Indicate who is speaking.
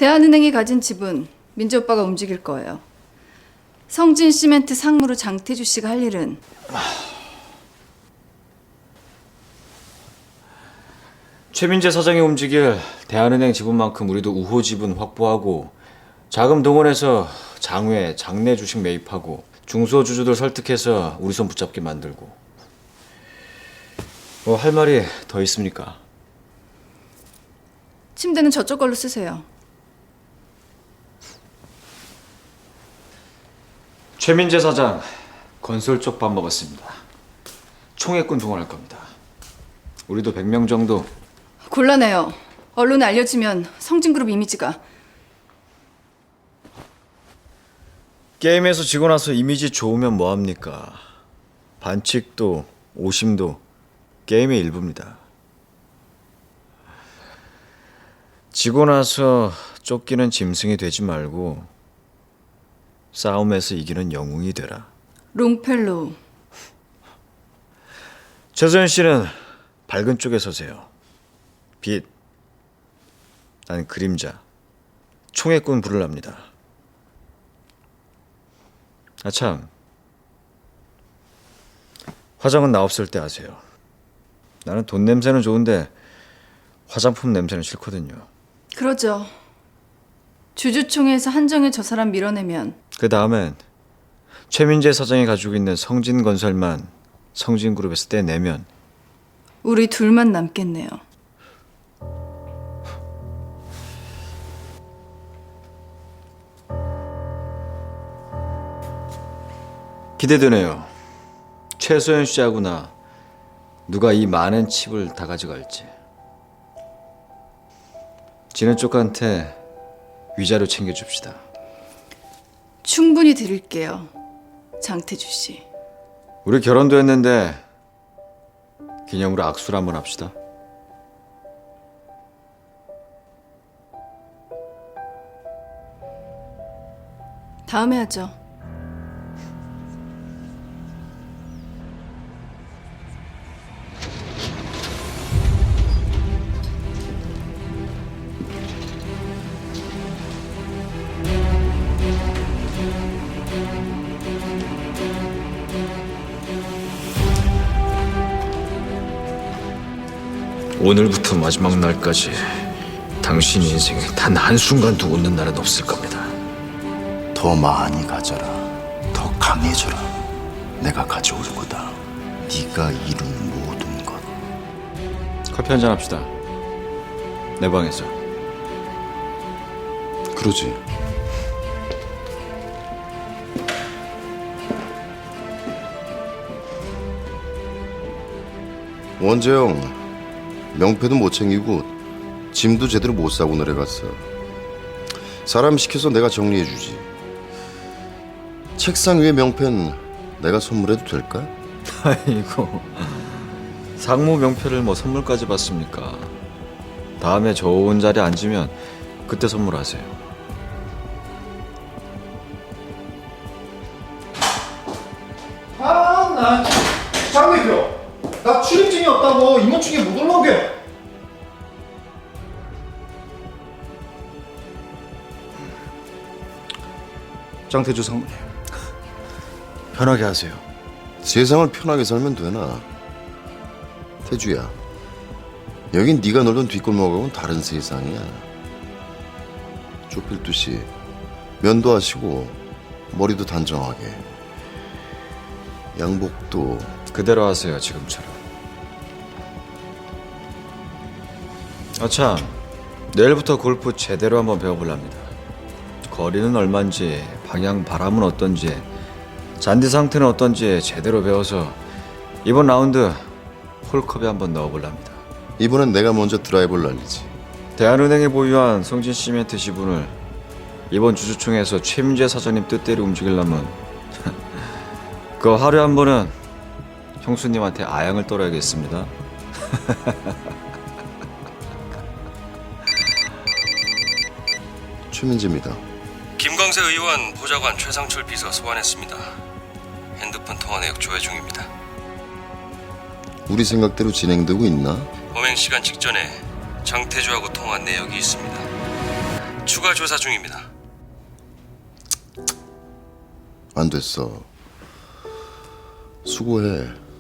Speaker 1: 대한은행이 가진 지분 민재 오빠가 움직일 거예요. 성진시멘트 상무로 장태주 씨가 할 일은
Speaker 2: 최민재 사장이 움직일 대한은행 지분만큼 우리도 우호 지분 확보하고 자금 동원해서 장외, 장내 주식 매입하고 중소주주들 설득해서 우리 손 붙잡게 만들고. 뭐 할 말이 더 있습니까?
Speaker 1: 침대는 저쪽 걸로 쓰세요.
Speaker 2: 최민재 사장 건설 쪽 밥 먹었습니다. 총액군 동원할 겁니다. 우리도 100명 정도.
Speaker 1: 곤란해요. 언론에 알려지면 성진그룹 이미지가.
Speaker 2: 게임에서 지고 나서 이미지 좋으면 뭐합니까? 반칙도 오심도 게임의 일부입니다. 지고 나서 쫓기는 짐승이 되지 말고 싸움에서 이기는 영웅이 되라.
Speaker 1: 롱펠로우.
Speaker 2: 최소연 씨는 밝은 쪽에 서세요. 빛, 난 그림자, 총애꾼 부르랍니다. 아참, 화장은 나 없을 때 하세요. 나는 돈 냄새는 좋은데 화장품 냄새는 싫거든요.
Speaker 1: 그러죠. 주주총회에서 한정일 저 사람 밀어내면
Speaker 2: 그 다음엔 최민재 사장이 가지고 있는 성진건설만 성진그룹에서 떼내면
Speaker 1: 우리 둘만 남겠네요.
Speaker 2: 기대되네요. 최소연 씨하고 나 누가 이 많은 칩을 다 가져갈지. 지는 쪽한테 위자료 챙겨줍시다.
Speaker 1: 충분히 드릴게요. 장태주 씨.
Speaker 2: 우리 결혼도 했는데 기념으로 악수를 한번 합시다.
Speaker 1: 다음에 하죠.
Speaker 2: 오늘부터 마지막 날까지 당신 인생에 단 한순간도 웃는 날은 없을 겁니다.
Speaker 3: 더 많이 가져라. 더 강해져라. 내가 가져올 거다. 네가 이룬 모든 것.
Speaker 2: 커피 한잔 합시다. 내 방에서.
Speaker 3: 그러지. 원재영, 명패도 못 챙기고 짐도 제대로 못 싸고 내려갔어. 사람 시켜서 내가 정리해주지. 책상 위에 명패는 내가 선물해도 될까?
Speaker 2: 아이고, 상무 명패를 뭐 선물까지 받습니까? 다음에 좋은 자리에 앉으면 그때 선물하세요.
Speaker 4: 나 장 대표, 나 출입증이 없다고 임원충에 못 올라오게.
Speaker 2: 장태주 상무님, 편하게 하세요.
Speaker 3: 세상을 편하게 살면 되나? 태주야, 여긴 네가 놀던 뒷골목하고는 다른 세상이야. 좁힐듯이 면도 하시고 머리도 단정하게, 양복도
Speaker 2: 그대로 하세요, 지금처럼. 아참, 내일부터 골프 제대로 한번 배워볼랍니다. 거리는 얼만지, 방향 바람은 어떤지, 잔디 상태는 어떤지 제대로 배워서 이번 라운드 홀컵에 한번 넣어볼랍니다.
Speaker 3: 이번엔 내가 먼저 드라이브를 날리지.
Speaker 2: 대한은행이 보유한 성진시멘트 지분을 이번 주주총회에서 최민재 사장님 뜻대로 움직이려면 그 하루에 한 번은 형수님한테 아양을 떨어야겠습니다.
Speaker 3: 최민재입니다.
Speaker 5: 김광세 의원 보좌관 최상철 비서 소환했습니다. 핸드폰 통화 내역 조회 중입니다.
Speaker 3: 우리 생각대로 진행되고 있나?
Speaker 5: 범행 시간 직전에 장태주하고 통화한 내역이 있습니다. 추가 추가 조사 중입니다.
Speaker 3: 안 됐어. 수고해.